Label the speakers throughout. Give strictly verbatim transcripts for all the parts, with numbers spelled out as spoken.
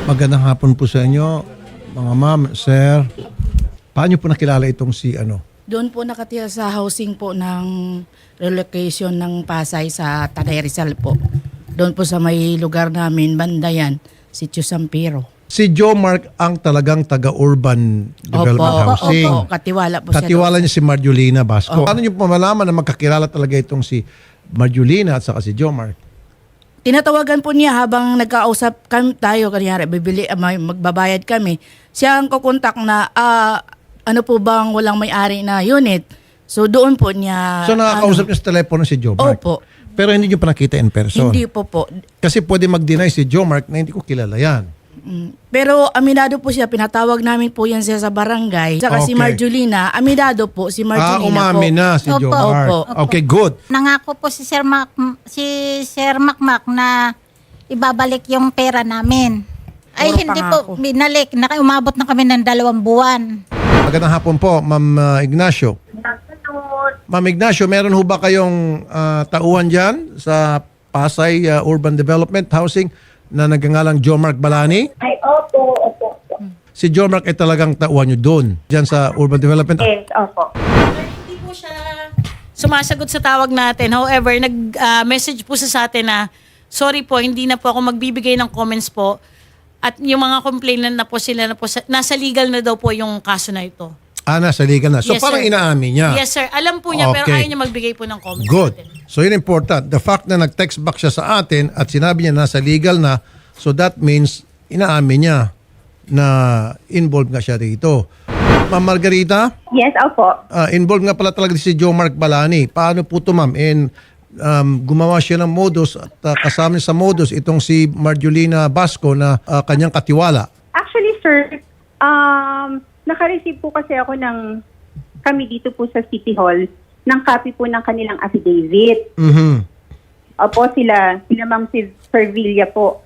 Speaker 1: Magandang hapon po sa inyo, mga ma'am, sir. Paano po nakilala itong si ano?
Speaker 2: Doon po nakatira sa housing po ng relocation ng Pasay sa Tanay Rizal po. Doon po sa may lugar namin, Bandayan, Sitio Sampiro.
Speaker 1: Si Joe Mark ang talagang taga-urban development
Speaker 2: Opo,
Speaker 1: housing.
Speaker 2: opo, katiwala po siya.
Speaker 1: Katiwala
Speaker 2: doon.
Speaker 1: niya si Marjolina Basco. Paano niyo po malaman na magkakilala talaga itong si Marjolina at saka si Joe Mark?
Speaker 2: Tinatawagan po niya habang nagkausap kami tayo, kanyari, bibili, ah, may- magbabayad kami. Siya ang kukontak na, ah, ano po bang walang may-ari na unit. So doon po niya...
Speaker 1: So nakakausap
Speaker 2: ano,
Speaker 1: niyo sa telepono si Joe Mark?
Speaker 2: Opo.
Speaker 1: Pero hindi niyo pa nakita in person?
Speaker 2: Hindi po po.
Speaker 1: Kasi pwede mag-deny si Joe Mark na hindi ko kilala yan.
Speaker 2: Mm. Pero aminado po siya, pinatawag namin po yan siya sa barangay. Saka si
Speaker 1: Okay.
Speaker 2: Marjolina, aminado po si
Speaker 1: Ah,
Speaker 2: Marjolina
Speaker 1: umamin
Speaker 2: po.
Speaker 1: na si Joe
Speaker 3: Opo.
Speaker 1: Mark.
Speaker 2: Opo.
Speaker 1: Okay, good.
Speaker 3: Nangako po si Sir Mac, si Sir Macmac na ibabalik yung pera namin. Ay,
Speaker 2: Puro
Speaker 3: hindi
Speaker 2: pangako.
Speaker 3: po binalik. Naka, umabot na kami ng dalawang buwan.
Speaker 1: Magandang hapon po, Ma'am uh, Ignacio. Ma'am Ignacio, meron ho ba kayong uh, tauhan dyan sa Pasay uh, Urban Development Housing na nagngangalang Joe Mark Balani?
Speaker 4: Ay, opo, opo, opo.
Speaker 1: Si Joe Mark ay talagang tauhan nyo doon, dyan sa Urban Development.
Speaker 4: Yes, opo.
Speaker 5: Hindi po siya sumasagot sa tawag natin. However, nag-message po siya sa atin na, sorry po, hindi na po ako magbibigay ng comments po. At yung mga complainant na po sila na po, sa- nasa legal na daw po yung kaso na ito.
Speaker 1: Ah, nasa legal na. So
Speaker 5: Yes,
Speaker 1: parang
Speaker 5: sir.
Speaker 1: inaamin niya.
Speaker 5: Yes, sir. Alam po niya, pero
Speaker 1: Okay.
Speaker 5: ayaw niya magbigay po ng comments
Speaker 1: Good.
Speaker 5: natin.
Speaker 1: So yun important. The fact na nag-text back siya sa atin at sinabi niya nasa legal na, so that means inaamin niya na involved nga siya rito. Ma'am Margarita?
Speaker 4: Yes, opo.
Speaker 1: Ah, involved nga pala talaga si Joe Mark Balani. Paano po ito, ma'am? And um, gumawa siya ng modus at uh, kasama niya sa modus itong si Marjolina Basco na uh, kanyang katiwala.
Speaker 4: Actually, sir, um, naka-receive po kasi ako ng, kami dito po sa City Hall, ng copy po ng kanilang affidavit.
Speaker 1: Mhm.
Speaker 4: Opo, sila, sila Ma'am si Servilla po.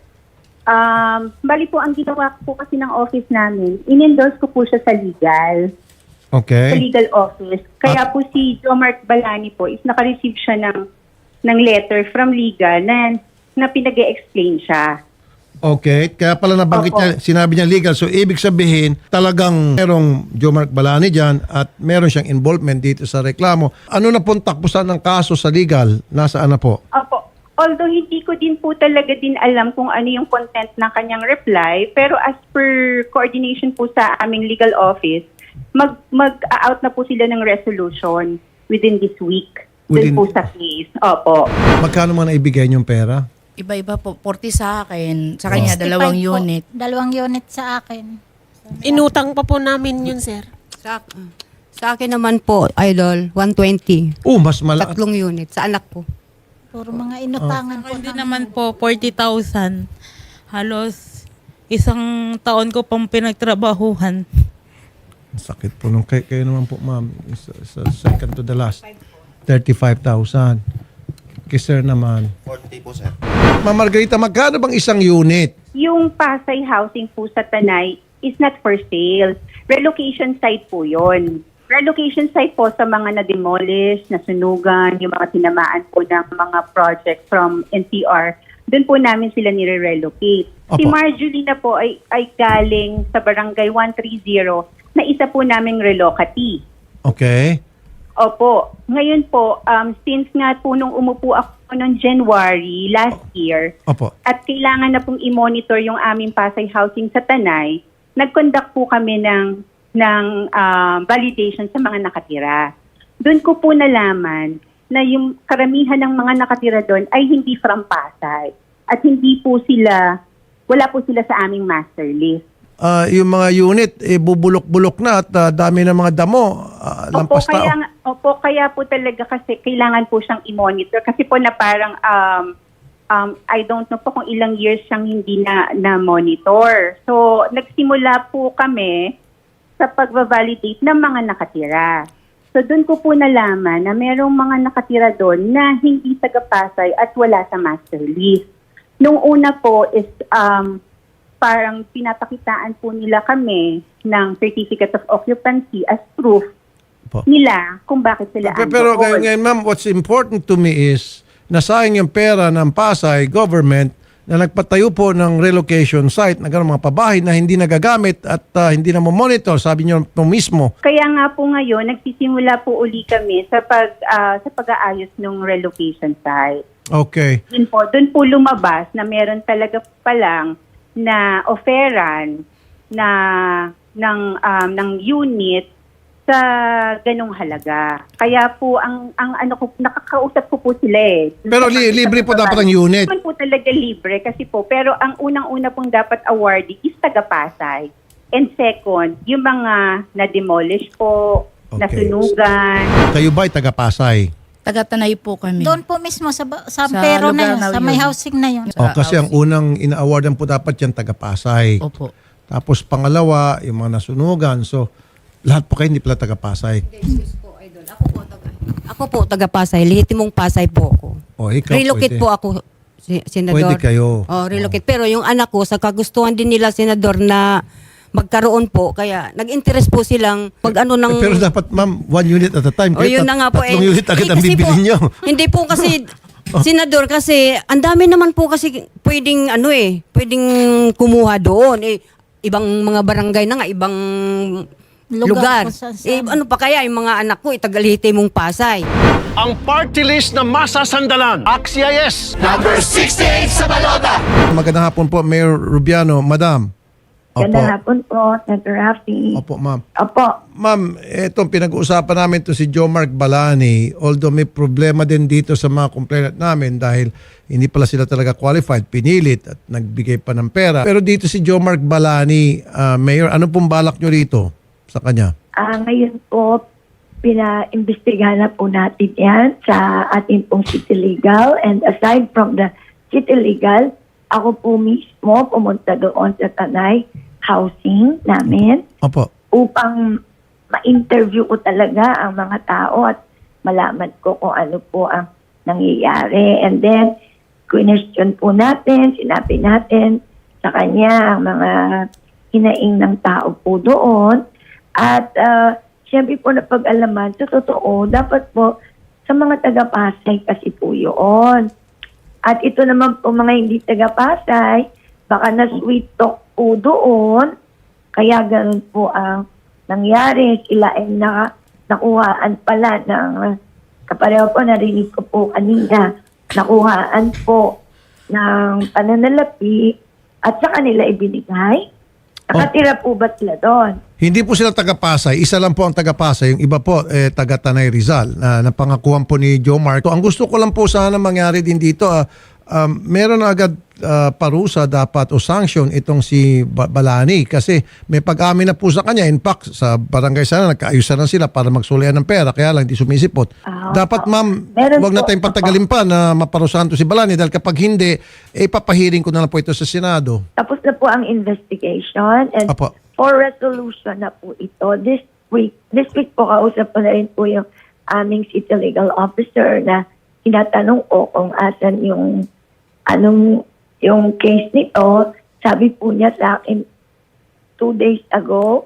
Speaker 4: Um, bali po, ang ginawa ko po kasi ng office namin, in-endorse ko po siya sa legal, sa
Speaker 1: Okay.
Speaker 4: legal office. Kaya po si Joe Mark Balani po is naka-receive siya ng, ng letter from legal na, na pinag-e-explain siya.
Speaker 1: Okay. Kaya pala nabanggit
Speaker 4: Opo.
Speaker 1: niya, sinabi niya legal. So ibig sabihin, talagang merong Joe Mark Balani dyan at meron siyang involvement dito sa reklamo. Ano na pong takbusan ng kaso sa legal? Nasaan na po?
Speaker 4: Opo. Although hindi ko din po talaga din alam kung ano yung content ng kanyang reply, pero as per coordination po sa aming legal office, mag, mag-out na po sila ng resolution within this week.
Speaker 1: Within-
Speaker 4: Dun po sa case. Opo.
Speaker 1: Magkano man naibigay niyong pera?
Speaker 2: Iba-iba po, forty sa akin. Sa kanya,
Speaker 3: sixty-five
Speaker 2: dalawang
Speaker 3: po.
Speaker 2: unit.
Speaker 3: Dalawang unit sa akin.
Speaker 6: Inutang pa po namin yun, sir.
Speaker 7: Sa, sa akin naman po, idol, one twenty.
Speaker 1: Oh, mas malaki.
Speaker 7: Tatlong unit sa anak ko.
Speaker 3: Puro mga inutangan po.
Speaker 8: Hindi
Speaker 3: namin.
Speaker 8: naman po forty thousand. Halos isang taon ko pang pinagtrabahuhan.
Speaker 1: Sakit po nung kayo, kayo naman po, ma'am. Sa, sa second to the last. thirty-five thousand. Kay sir naman.
Speaker 9: forty po, sir.
Speaker 1: Ma'am Margarita, magkano bang isang unit?
Speaker 4: Yung Pasay housing po sa Tanay is not for sale. Relocation site po yon. Relocation site po sa mga na-demolish, nasunugan, yung mga tinamaan po ng mga project from N C R. Doon po namin sila nire-relocate. Si
Speaker 1: Opo.
Speaker 4: Marjolina po ay, ay galing sa barangay one thirty na isa po naming relocatee.
Speaker 1: Okay.
Speaker 4: Opo. Ngayon po, um, since nga po nung umupo ako noong January last year,
Speaker 1: Opo.
Speaker 4: at kailangan na pong i-monitor yung aming Pasay housing sa Tanay, nag-conduct po kami ng, ng ah, validation sa mga nakatira. Doon ko po nalaman na yung karamihan ng mga nakatira doon ay hindi from Pasay. At hindi po sila, wala po sila sa aming master list.
Speaker 1: Ah, yung mga unit, eh, bubulok-bulok na at ah, dami ng mga damo. ah,
Speaker 4: Opo,
Speaker 1: lampas tao.
Speaker 4: kaya, nga- opo, kaya po talaga kasi kailangan po siyang i-monitor. Kasi po na parang, um, um, I don't know po kung ilang years siyang hindi na, na-monitor. So, nagsimula po kami sa pag-validate ng mga nakatira. So, doon ko po nalaman na merong mga nakatira doon na hindi taga-Pasay at wala sa master list. Nung una po is, um, parang pinapakitaan po nila kami ng certificate of occupancy as proof
Speaker 1: Po.
Speaker 4: nila kung bakit sila
Speaker 1: Pero, pero
Speaker 4: andoon.
Speaker 1: ngayon, ngayon, ma'am, what's important to me is nasayang yung pera ng Pasay government na nagpatayo po ng relocation site na gano'ng mga pabahay na hindi nagagamit at ah, hindi na monitor, sabi niyo po mismo.
Speaker 4: Kaya nga po ngayon, nagsisimula po uli kami sa pag ah, sa pag-aayos ng relocation site.
Speaker 1: Okay.
Speaker 4: Doon po, doon po lumabas na meron talaga pa lang na offeran na ng um, ng unit sa ganong halaga. Kaya po ang ang ano ko nakakausap ko po sila eh.
Speaker 1: Pero li- libre po dapat ang unit.
Speaker 4: Hindi po talaga libre kasi po, pero ang unang-una pong dapat awardee is taga Pasay. And second, yung mga na-demolish po,
Speaker 1: Okay.
Speaker 4: nasunugan.
Speaker 1: Kayo ba ay taga-Pasay?
Speaker 2: Taga-Tanay po kami.
Speaker 3: Doon po mismo sa, ba- sa,
Speaker 2: Sa
Speaker 3: pero
Speaker 2: lugar
Speaker 3: na yun,
Speaker 2: na
Speaker 3: sa may
Speaker 2: yun.
Speaker 3: housing na yun.
Speaker 1: O, kasi ang unang ina-awardan po dapat yan taga-Pasay.
Speaker 2: Opo.
Speaker 1: Tapos pangalawa, yung mga nasunugan. So, lahat po kayo hindi pala taga-Pasay.
Speaker 7: Ako po, taga, ako po, taga Pasay. Lehitimong Pasay po ako.
Speaker 1: O, ikaw
Speaker 7: Relocate
Speaker 1: pwede.
Speaker 7: po ako, si- Senador.
Speaker 1: Pwede kayo.
Speaker 7: Oh, relocate. Pero yung anak ko, sa kagustuhan din nila, Senador, na magkaroon po. Kaya nag-interest po silang pag ano ng...
Speaker 1: Eh, pero dapat, ma'am, one unit at a time.
Speaker 7: O yun na nga po.
Speaker 1: Tatlong unit agad
Speaker 7: eh,
Speaker 1: ang
Speaker 7: kasi
Speaker 1: bibili
Speaker 7: po,
Speaker 1: nyo.
Speaker 7: Hindi po kasi, Senador, kasi ang dami naman po kasi pwedeng ano eh, pwedeng kumuha doon. Eh, ibang mga barangay na nga, ibang
Speaker 3: Lugar
Speaker 7: lugar.
Speaker 3: kung saan-saan.
Speaker 7: Eh, ano pa kaya yung mga anak ko, itagalite mong Pasay.
Speaker 9: Ang party list na masasandalan. Axia yes!
Speaker 1: Magandang hapon po, Mayor Rubiano. Madam. Opo.
Speaker 10: Gandang hapon po, Senator Rafi.
Speaker 1: Opo, ma'am.
Speaker 10: Opo.
Speaker 1: Ma'am, itong pinag-uusapan namin to si Joe Mark Balani, although may problema din dito sa mga complainant namin dahil hindi pala sila talaga qualified, pinilit at nagbigay pa ng pera. Pero dito si Joe Mark Balani, ah, Mayor, ano pong balak nyo rito sa kanya?
Speaker 10: Ah, ngayon po, pina-imbestigahan na po natin yan sa ating pong City Legal. And aside from the City Legal, ako po mismo pumunta doon sa Tanay housing namin
Speaker 1: Opo.
Speaker 10: upang ma-interview ko talaga ang mga tao at malaman ko kung ano po ang nangyayari. And then, question po natin, sinabi natin sa kanya ang mga hinaing ng tao po doon. At uh, siyempre po napag-alaman, sa totoo, dapat po sa mga taga-Pasay kasi po yun. At ito naman po mga hindi taga-Pasay, baka na-sweet talk po doon. Kaya ganun po ang nangyari. Sila ay naka, nakuhaan pala ng, kapareho po narinig ko po kanina, nakuhaan po ng pananalapi at sa kanila ibinigay. Nakatira po ba sila doon?
Speaker 1: Hindi po sila taga-Pasay. Isa lang po ang taga-Pasay. Yung iba po, eh, taga-Tanay Rizal na napangakuan po ni Joe Mark. So, ang gusto ko lang po sana mangyari din dito, ah, um, meron na agad ah, parusa dapat o sanction itong si Ba- Balani kasi may pag-amin na po sa kanya. In fact, sa barangay sana, nagkaayusan na sila para magsulian ng pera. Kaya lang, di sumisipot.
Speaker 10: Ah,
Speaker 1: dapat, ma'am,
Speaker 10: meron
Speaker 1: wag na
Speaker 10: po.
Speaker 1: tayong patagalin pa na maparusahan to si Balani dahil kapag hindi, eh, papahiring ko na lang po ito sa Senado.
Speaker 10: Tapos na po ang investigation and
Speaker 1: Apo.
Speaker 10: for resolution na po ito. This week, this week po kausap ko na rin po yung aming city legal officer na tinatanong ko kung asan yung anong yung case nito. Sabi po niya sa akin two days ago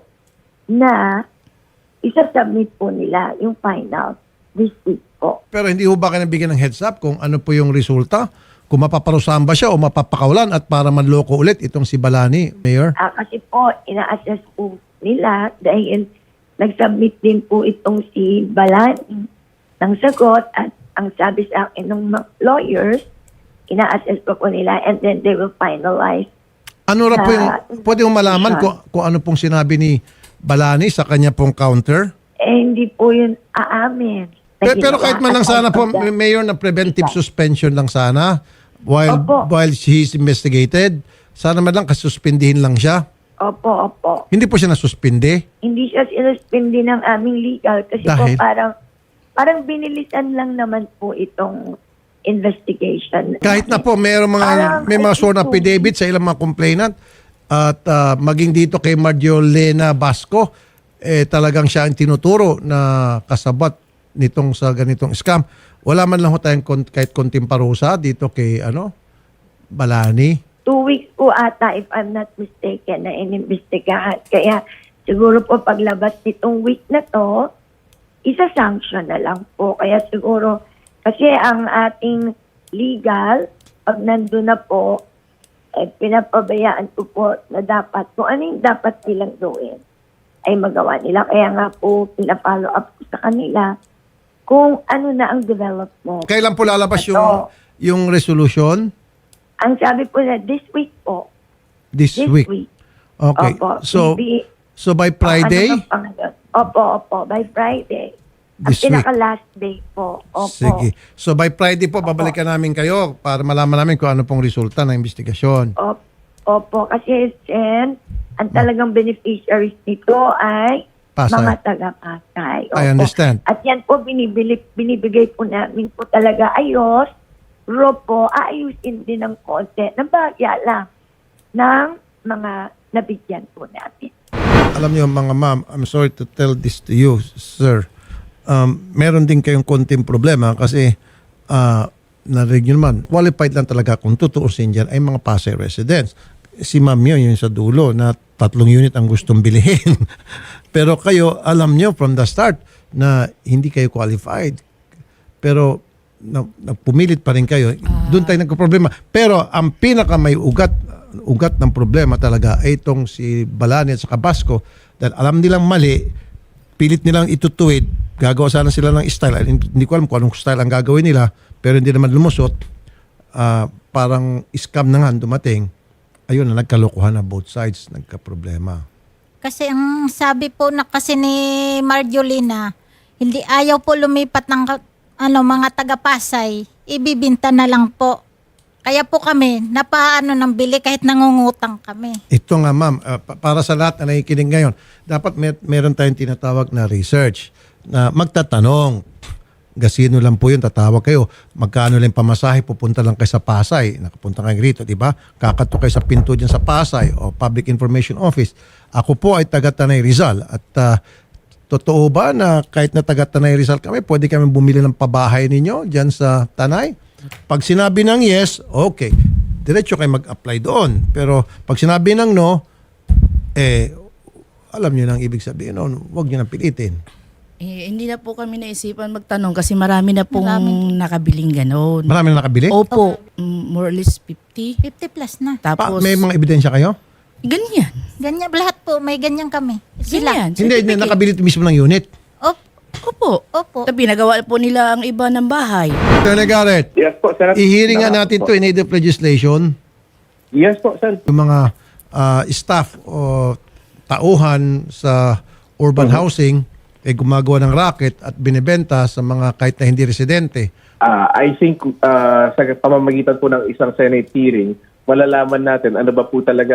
Speaker 10: na isa-submit po nila yung final this week po.
Speaker 1: Pero hindi ho ba kayo nabigyan ng heads up kung ano po yung resulta? Kung mapaparusahan ba siya o mapapakawalan at para manloko ulit itong si Balani, Mayor?
Speaker 10: Ah, kasi po, ina-assess po nila dahil nag-submit din po itong si Balani ng sagot at ang sabi sa akin ng mga lawyers, ina-assess po po nila and then they will finalize.
Speaker 1: Ano ra po yung,
Speaker 10: Ah,
Speaker 1: pwede mo malaman kung, kung ano pong sinabi ni Balani sa kanya pong counter?
Speaker 10: Eh, hindi po yun aamin. na
Speaker 1: Pero, pero
Speaker 10: ginawa.
Speaker 1: kahit man lang
Speaker 10: At
Speaker 1: sana po,
Speaker 10: pagka-
Speaker 1: Mayor, na preventive suspension lang sana while
Speaker 10: Opo.
Speaker 1: while he's investigated. Sana man lang kasuspindihin lang siya.
Speaker 10: Opo, opo.
Speaker 1: Hindi po siya nasuspindi.
Speaker 10: Hindi siya sinuspindi ng aming legal kasi
Speaker 1: Dahil?
Speaker 10: po parang parang binilisan lang naman po itong investigation.
Speaker 1: Kahit na po mayroong mga
Speaker 10: Parang
Speaker 1: may mga sworn
Speaker 10: kahit po-
Speaker 1: affidavit sa ilang mga complainant at ah, maging dito kay Marjolena Basco eh talagang siya ang tinuturo na kasabat nitong sa ganitong scam. Wala man lang ho tayong kon- kahit konting parusa dito kay ano Balani.
Speaker 10: Two weeks po ata, if I'm not mistaken, na inimbestigahan. Kaya siguro po paglabas nitong week na to, isa-sanction na lang po. Kaya siguro, kasi ang ating legal, pag nandun na po, eh, pinapabayaan ko po na dapat, kung ano yung dapat nilang gawin, ay magawa nila. Kaya nga po, pinapollow up ko sa kanila kung ano na ang development.
Speaker 1: Kailan po lalabas
Speaker 10: Ito.
Speaker 1: yung, yung resolution?
Speaker 10: Ang sabi po na this week po.
Speaker 1: This,
Speaker 10: This
Speaker 1: week.
Speaker 10: week.
Speaker 1: Okay.
Speaker 10: Opo.
Speaker 1: So,
Speaker 10: Hindi-
Speaker 1: so by Friday?
Speaker 10: Ano pa ngayon? Opo, opo. By Friday.
Speaker 1: This
Speaker 10: ang
Speaker 1: week.
Speaker 10: pinaka-last day po. Opo.
Speaker 1: Sige. So by Friday po, babalikan namin kayo para malaman namin kung ano pong resulta ng investigasyon.
Speaker 10: Opo, opo. Kasi, Sen, ang talagang beneficiaries nito ay
Speaker 1: Pasay.
Speaker 10: mga taga-Pasay.
Speaker 1: I
Speaker 10: Opo.
Speaker 1: understand.
Speaker 10: At yan po, binibili, binibigay po namin po talaga ayos. Ro po, aayusin din ng konti. Nabagya lang ng mga nabigyan po namin.
Speaker 1: Alam niyo mga ma'am, I'm sorry to tell this to you, sir. Um, meron din kayong konting problema kasi uh, narinig niyo naman, qualified lang talaga kung tutuusin dyan ay mga Pasay residents. Si ma'am yun, yun sa dulo na tatlong unit ang gustong bilihin. Pero kayo, alam niyo from the start na hindi kayo qualified. Pero na, nagpumilit pa rin kayo. Doon tayo nagka-problema. Pero ang pinaka may ugat ugat ng problema talaga ay itong si Balani at saka Basco dahil alam nilang mali, pilit nilang itutuwid, gagawa sana sila ng style. Hindi ko alam kung anong style ang gagawin nila, pero hindi naman lumusot. Uh, parang scam na nga dumating. Ayun na, nagkalokohan na both sides, nagka-problema.
Speaker 3: Kasi ang sabi po na kasi ni Marjolina, hindi ayaw po lumipat ng ka- ano, mga taga-Pasay, ibibinta na lang po. Kaya po kami, napaano ng bili kahit nangungutang kami.
Speaker 1: Ito nga ma'am, uh, pa- para sa lahat na nakikinig ngayon, dapat mer- meron tayong tinatawag na research na magtatanong. Gasino lang po yun, tatawag kayo. Magkano lang pamasahe, pupunta lang kayo sa Pasay. Nakapunta kayo rito, di ba? Kakato kayo sa pinto dyan sa Pasay o Public Information Office. Ako po ay taga Tanay Rizal at uh, totoo ba na kahit na taga Tanay Rizal kami, pwede kami bumili ng pabahay ninyo dyan sa Tanay? Pag sinabi ng yes, okay. Diretso kayo mag-apply doon. Pero pag sinabi ng no, eh, alam nyo nang ibig sabihin noon, huwag nyo nang pilitin.
Speaker 2: Eh, hindi na po kami naisipan magtanong kasi marami na pong
Speaker 3: Marami.
Speaker 2: nakabiling ganon.
Speaker 1: Marami na nakabili?
Speaker 2: Opo, mm, more or less fifty.
Speaker 3: fifty plus na.
Speaker 1: Pa,
Speaker 2: Tapos,
Speaker 1: may mga ebidensya kayo?
Speaker 2: ganyan.
Speaker 3: Ganyan, lahat po, may ganyan kami. Sila.
Speaker 2: Ganyan.
Speaker 1: Hindi, hindi,
Speaker 2: certificate.
Speaker 1: nakabili mismo ng unit.
Speaker 3: Op,
Speaker 2: Opo.
Speaker 3: opo.
Speaker 2: Tapos pinagawa po nila ang iba ng bahay.
Speaker 1: Senator Garrett,
Speaker 11: Yes po, Senator.
Speaker 1: i-hearing nga natin to in aid of legislation.
Speaker 11: Yes po, Sen.
Speaker 1: Yung mga ah, staff o tauhan sa urban housing ay gumagawa ng racket at binebenta sa mga kahit na hindi residente.
Speaker 11: Uh, I think uh, sa pamamagitan po ng isang Senate hearing, malalaman natin ano ba po talaga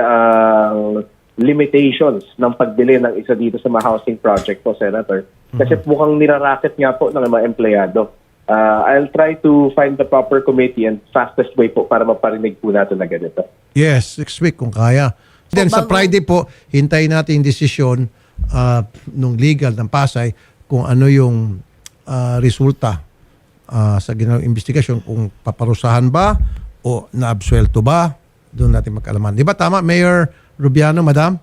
Speaker 11: ang limitations ng pagbili ng isa dito sa mga housing project po, Senator. Kasi mukhang niraracket nga po ng mga empleyado. Uh, I'll try to find the proper committee and fastest way po para maparinig po natin na ganito.
Speaker 1: Yes, next week kung kaya. Then sa
Speaker 2: bago-
Speaker 1: Friday po, hintayin natin yung desisyon uh, nung legal ng Pasay kung ano yung uh, resulta uh, sa ginawang investigasyon, kung paparusahan ba o naabsuelto ba, doon natin magkaalaman. Di ba tama, Mayor Rubiano, Madam?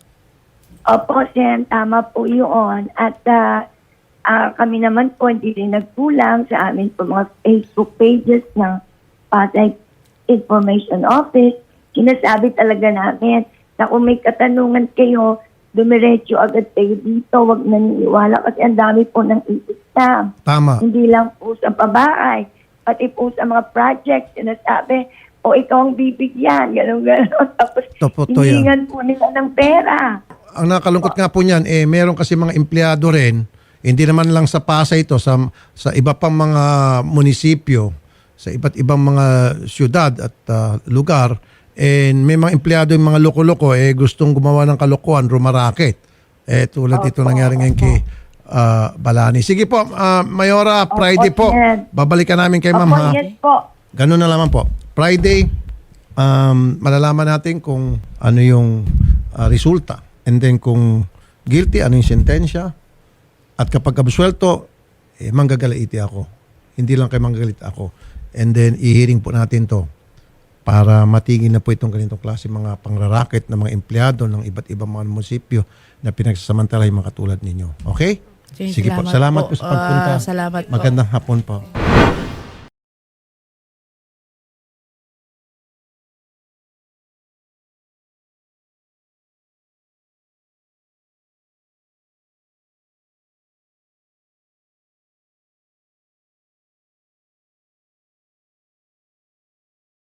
Speaker 10: Opo, Sen, tama po yun. At ah, ah, kami naman po hindi rin nagkulang sa amin po mga Facebook pages ng Pasay Information Office. Sinasabi talaga namin na kung may katanungan kayo, dumiretso agad kayo dito. Huwag naniniwala kasi ang dami po ng i-scam.
Speaker 1: Tama.
Speaker 10: Hindi lang po sa pabahay, pati po sa mga projects, sinasabi, o ikaw ang bibigyan, gano'n gano'n. Tapos,
Speaker 1: Totoo yan.
Speaker 10: hiningan po nila ng pera.
Speaker 1: Ang nakalungkot nga po niyan, eh, meron kasi mga empleyado rin, hindi naman lang sa Pasay ito, sa, sa iba pang mga munisipyo, sa iba't ibang mga syudad at ah, lugar, and may mga empleyado yung mga loko-loko, eh, gustong gumawa ng kalokohan, rumaraket. Eh, tulad ito nangyari ngayon kay ah, Balani. Sige po, ah, Mayora, Friday po,
Speaker 10: yan.
Speaker 1: babalikan namin kay ma'am
Speaker 10: Opo,
Speaker 1: ha.
Speaker 10: yes po.
Speaker 1: Ganun na naman po. Friday, um, malalaman natin kung ano yung uh, resulta. And then kung guilty, ano yung sentensya. At kapag absuelto, eh, manggagalaiti ako. Hindi lang kayo manggagalit ako. And then, i-hearing po natin to para matigil na po itong ganitong klase mga pangrarakit ng mga empleyado ng iba't ibang mga munisipyo na pinagsasamantala yung mga katulad ninyo. Okay?
Speaker 2: Sige,
Speaker 1: Sige po.
Speaker 2: salamat
Speaker 1: Salamat
Speaker 2: po.
Speaker 1: po sa pagpunta.
Speaker 2: Ah, salamat po.
Speaker 1: Magandang hapon po.